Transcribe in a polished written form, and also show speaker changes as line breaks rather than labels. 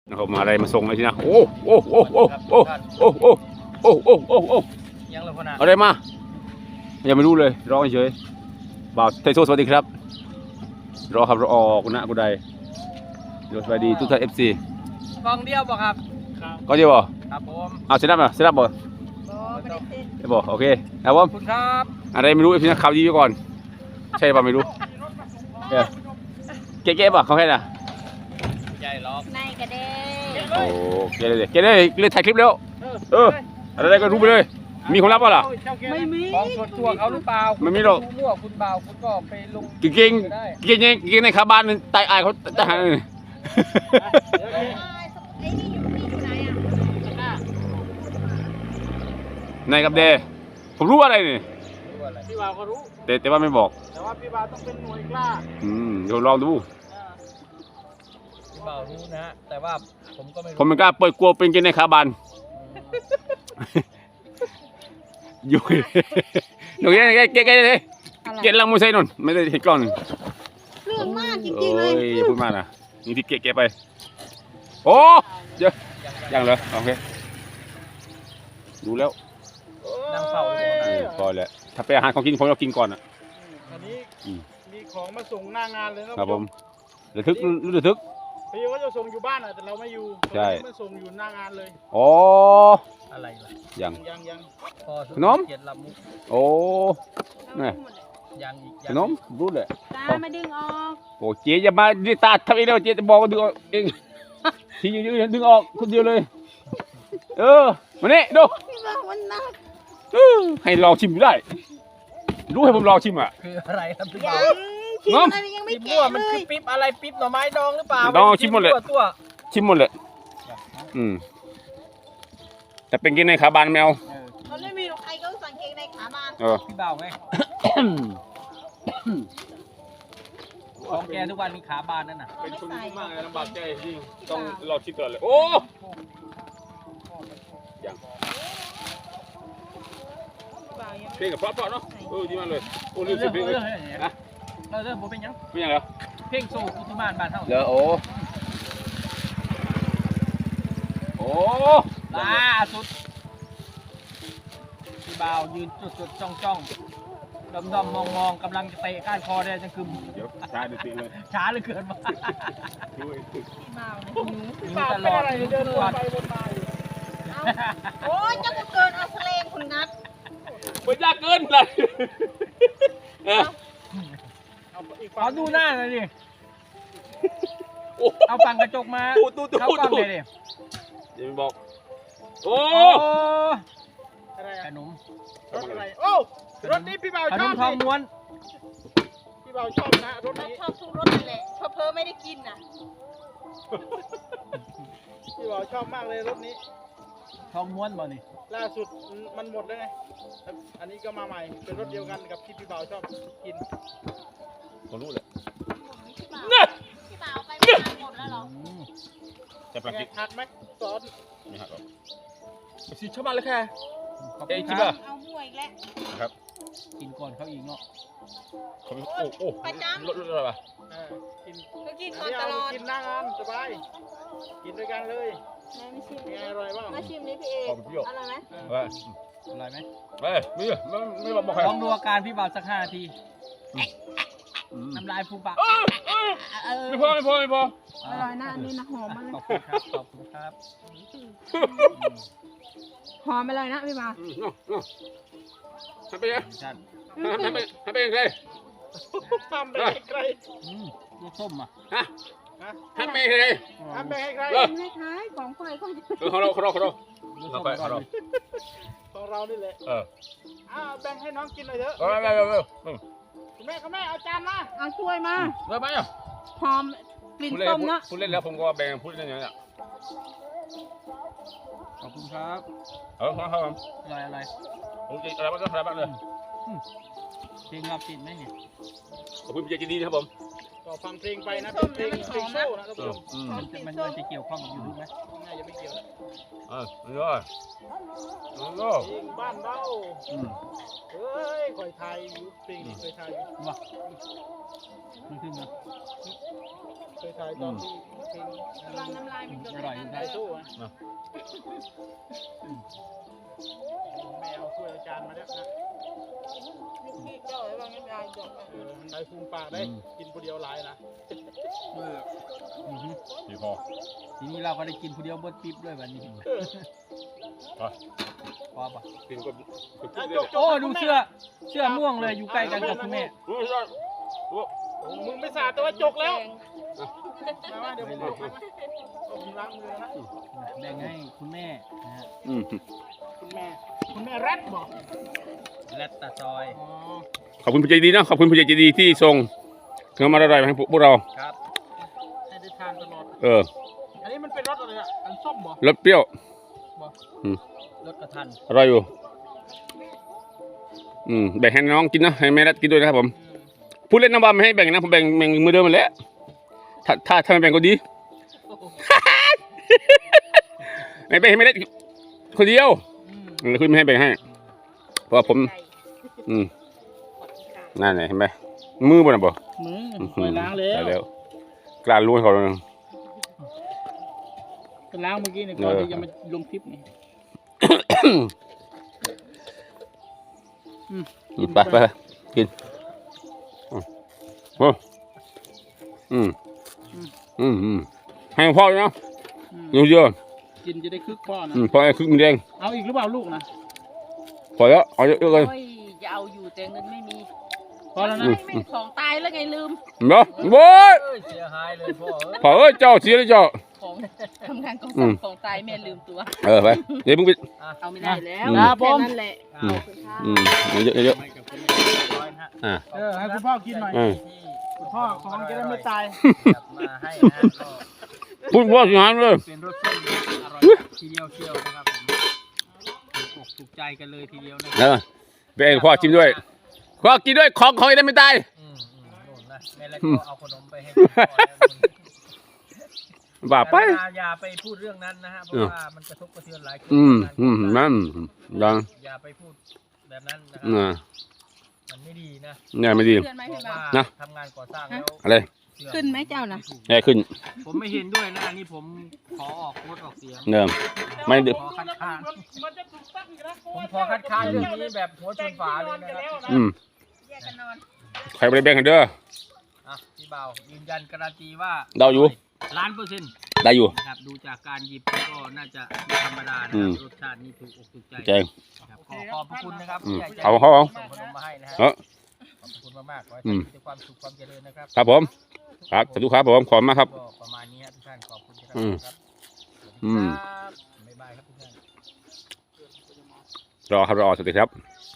นะครับมาอะไรมาส่งเลยทีนะโอ้โอ้โอ้โอ้โอ้โอ้โอ้โอ้โอ้โอ้โอ้
ยังเลยพนะ
อะไรมายังไม่รู้เลยรอเฉยบ่าวไทโซสวัสดีครับรอครับรอออกนะกูได้สวัสดีทุกท่าน FC
กองเดียวบอกครับ
ก็เดียวบ่
ครับผม
เอาเสร็จแล้วมั้ยเสร็จแล้วบ่บ่โอเคครับผม
คุณครับ
อะไรไม่รู้ FC นะข่าวดีไว้ก่อนใช่ป่ะไม่รู้เก๊ะป่ะเขาแค่น่ะ
ใหญ่ล็อก
ในกระเด้
โอ้เก๊ะเลยเก๊ะเลยเล่นถ่ายคลิปแล้วอะไรก็รู้ไปเลยมีคนรับป่ะล่ะ
ไม่มีของส่วนตัวเขาหรือเปล่า
ไม่มีหรอก
มั่วคุณเบาคุณก็ไปลง
เก่งเก่งเก่งในคาบ้านตายอายเขาทหารเลย
ไอ้นี่อยู่ไหนอ่ะ
นายกับเดผมรู้อะไรนี่
พี่บ่าวก็รู้
แต่ว่าไม่บอก
แต่ว่าพี่บ่าวต้องเป็นหน่วยกล้า
เดี๋ยวลองดู
พี่บ่าวรู้นะแต่ว่าผมก็ไม่รู้
ผมไม่กล้าเปิดกลัวเป็นเกงในคาบ้านอยู่หนูแกเลยเกลังมือใส่นนไม่ได้เห็นกล้อง
เรื่องมากจริงๆเลย
พูดมากนะนี่ที่เกไปโอ้เยอะยังเลยโอเครู้แล้ว
นั่งเฝ้า
พอแล้วถ้าไปอาหารของกินผมเรากินก่อนอ่ะ
อันนี้มีของมาส่งหน้างานเลย
ครับผมระทึก
พี่ว่าจะส่งอยู่บ้านแต่เราไม่อยู่
ใช่
มาส่งอยู่หน้างานเลย
อ๋อ
อะไรล่ะ
ยัง
ขนม
โอ้นี่
ยังอีก
ขนมรู้เลย
ตามาดึงออก
โอ้เจ๊อย่ามาดิตาทำเองแล้วเจ๊จะบอกว่าดึงออกเองทียืนดึงออกคนเดียวเลยมาเนี่ยดู
พี่บอกมันหนัก
ให้ลองชิมได้รู้ให้ผมลองชิมอ่ะ
คืออะไรครับพี่บ่าว
ชิมอะไรยังไม่แก่
มันคือปิ๊บอะไรปิ๊บหน่อไม้ดองหรือเปล่า
ดองชิมหมดเลยชิมหมดเลยแต่เป็นกินในขาบานแมว
เขาไม่มีใครก็สั่งเกงในขาบาน
พี่บ่าวไงของแกทุกวันมีขาบานนั่นน่ะ
เป็นคนมากเลยลำบากใจจริงต้องลองชิมก่อนเลยโอ้ยังเพลงกับเพราะเนาะดีมากเลยโอ้ลืมสิเพลงเลยนะ
เริ่มเป็นยัง
เป็นยังแล้ว
เพลงโซ่กุตุมานบ้านเท่า
เดี๋ยวโอ้
ล่าสุดพี่บ่าวยืนจุดจ้องดอมมองกำลังจะเตะก้านคอได้จังคือ
เดี๋ยวช้าจริงเลย
ช้าเหลือเกินมา
พี่บ่าว
หิวตลอดเดินไปวนมา
โอ้ยจะเกินเอาเลงคุณนัท
ไม่ยากเกินเลย
ขอดูหน้าหน่อยดิเอาฝั่งกระจกมาเข้ากล้องเลยดิ
เดี๋ยวบอกโอ้
อะไรขนม
รถอะไรโอ้
รถนี้พี่บ่าวชอบทองม้วนพี่บ่าวชอบนะรถนี้
ชอบทุกรถนั่นแหละเพอไม่ได้กินน่ะ
พี่บ่าวชอบมากเลยรถนี้ทองม้วนบ่นี่ล่าสุดมันหมดแล้วไงอันนี้ก็มาใหม่เป็นรถเดียวกันกับที่พี่บ่าวชอบกิน
ผมรู้เลย
พี่บ่าวไปหมดแล้วหรอ
จะปรับ
หักไหมซอส
ไม่หักหรอกสิชอบมาเลยค่ะ
ชิบะเอาหวยแล้ว
ครับ
กินก่อนเขาอีกเนาะ
เขาโอ้
ประจำ
รถอะไรวะ
กินก่อนตลอดกินหน้างานสบายกินด้วยกันเลย
ไม่ชิม
อร่อยบ้าง
มาชิมนี่พี่เอกอร่อยไหม
อร่อยไหม
ไม่บอกใคร
ลองดูอาการพี่บ่าวสัก5 นาทีน้ำลายฟูปาก
ไม่พอ
อร่อยนะอันนี้นะหอมมากเลย
ขอบคุณครับ
หอมไปเลยนะพี่บ่าว
ทำไปยังทำไปยังไง
ทำไปใครลูกส้มอ่ะ
ทำไปยังไง
ทำไปให้ใคร
ให้ใครของใคร
ของเราของ
เรานี่แหละแบ่งให้น้องกินหน่อยเถอะคุณแม่เอาจานมา
เอาช่วยมา
ได้ไหมอ่ะ
หอมกลิ่นส้มนะ
พูดเล่นแล้วผมก็แบ่งพูดเล่นอย่างนี้
ขอบคุณครับ
ครับ
อะไร
ผมจะอะไรบ้างเลย
เพลงเราติดไหมเนี่ย
ขอบคุณพี่ใจดีครับผม
ก็ฟังเพลงไปนะเป็นเพลงโซ่นะท่านผู้ชม
มันจะเกี่ยวข้องกับยูทูบไหม
น่าจะไม่เกี่ยวนะ
นี่เลยนี่เลย
เพลงบ้านเราเฮ้ยคอยไทยอยู่เพลงนี้เคยไทยอยู่
ว่ามันขึ้นมา
เคยไทยตอนที่เพลง
ระวังน้ำลายมันหยด
อร่อย
ไท
ได้
ยโซ่นะแมวช่วยอาจารย์มาแล้วนะ
นี่เจ้าระวังน้ำลายหยด
นายภูมิปากได้กินคนเดียวหลายนะ
พี่พอ
ทีนี้เราก็ได้กินผู้เดียวเบิดปิ๊บด้วยแบบนี้
ไป
พอปะ
กินก็
โอ้ดูเสื้อม่วงเลยอยู่ใกล้กันกับคุณแม่
มึงไม่สาดแต่ว่าจกแล้วมาเดี๋ยวผมจกนะผมล้างมือนะ
แบ่งให้คุณแม่นะฮะ
คุณแม่แรดบอก
และตาซอย
อ๋อ
ขอบคุณผู้ใจดีนะขอบคุณผู้ใจดีที่ส่งเครื่องมาอร่อยมาให้พวกเรา
ครับ
ให้ได้ทานตลอด อันนี้มันเป็นรสอะไรอ่ะอันส้มบอก
รสเปรี้ยว
รถกระทัน
อร่อยอยู่แบ่งให้น้องกินนะให้แม่รัดกินด้วยนะครับผมพูดเล่นนะว่าไม่ให้แบ่งนะผมแบ่งมือเดิมมาแล้วถ้าไม่แบ่งก็ดี ไม่แบ่งให้แม่รัดคนเดียวคุณไม่ให้แบ่งให้เพราะว่าผมนั่นไงเห็นไหมมือบนอ่ะบ่
มือไปล้างแล้ว
กล้ารู้ให้เขาเลย
ไปล้างเมื่อกี้เนี่ยก่อนที่จะมาลงคลิปนี่
ไปกินโอ้ให้พ่อเลยนะเยอะ
กินจะได้คึกพ่อนะ
พอไอ้คึกมันแดง
เอาอีกหรือเปล่าลูกนะ
พอแล้วเอาเยอะเลย
โอ้ยจะเอาอยู่แต่เงินไม่มี
พอแล้วนะ
ไม่ของตายแล้วไงลืม
เนาะโว้ย
เสียหายเลยพ่อ
พอเจ้าเสียเลยเจ้า
ของทำงานของของตายแม่ลืมตัว
ไปเดี๋ยวมึงไป
เอาไม่ได้แล้ว
ครับผ
แค่
ม
นั้นแหละขอบคุณค่ะ
เยอะ
ให้กับคุณแม่ร้อยนะฮะ
ให้คุณพ่อกินหน่อย
ที่
คุณพ่อของจะได้ไม่ตาย
จับมาให้นะฮะก็
พูดว่าสิหารเลย
เป็นรสส้มอร่อยทีเดียวเชียวนะครับผมถูกอกถูกใจกันเลยทีเดียวนะค
ไปให้พ่อชิมด้วยพ่อกินด้วยของจะได้ไม่ตาย
โน่นนะแม่แล้วก็เอาขนมไปให้พ่อแล้ว
บ้าไป
อย่าไปพูดเรื่องนั้นนะฮะเพราะว่ามันกระทบกระเทือนหลายคน
นั่นดัง
อย่าไปพูดแบบนั้นนะครับมันไม่ดีนะ
เนี่ยไม่ดี
เพื่อนไหม
เพ
พี่
ราะ
บ่าว
ว่าทำงานก่อสร้างแล้ว
อะไร
ขึ้นไหมเจ้านะ
แย่ขึ้น
ผมไม่เห็นด้วยนะอันนี้ผมขอออกงดออกเสียง
เดิมไม่ดึก
ขอคัดค้าน
มันจะถูกตั้งอยู่นะ
ผมขอคัดค้านเรื่องนี้แบบหัวชนฝาเลยนะครับ
แยกกันนอน
ใครไปแบ่งกันเด้อ
อ่ะพี่เบายืนยันการันตีว่า
เราอยู่
1,000,000%
ได้อยู่
นะครับดูจากการหยิบก็น่าจะไม่ธรรมดานะครับรสชาตินี่ถูกอกถูกใจ
แจง
นะครับขอบพระคุณนะครับ
อืม
ผู้ใหญ่ใจ
เอา
ดี
เอา
ส่งขนมมาให้นะฮะ
เออ
ขอบพระคุณมากๆขอให้ท่านมีแต่ความสุขความเจริญนะครับ
ครับผมครับสาธุครับผมขอบคุณมากครับ
ก็ประมาณนี้ครับทุกท่านขอบคุณที่รับ
อืม
ชมครับ
อืม
บ๊ายบายครับทุกท่าน
รอครับรอสวัสดีครับ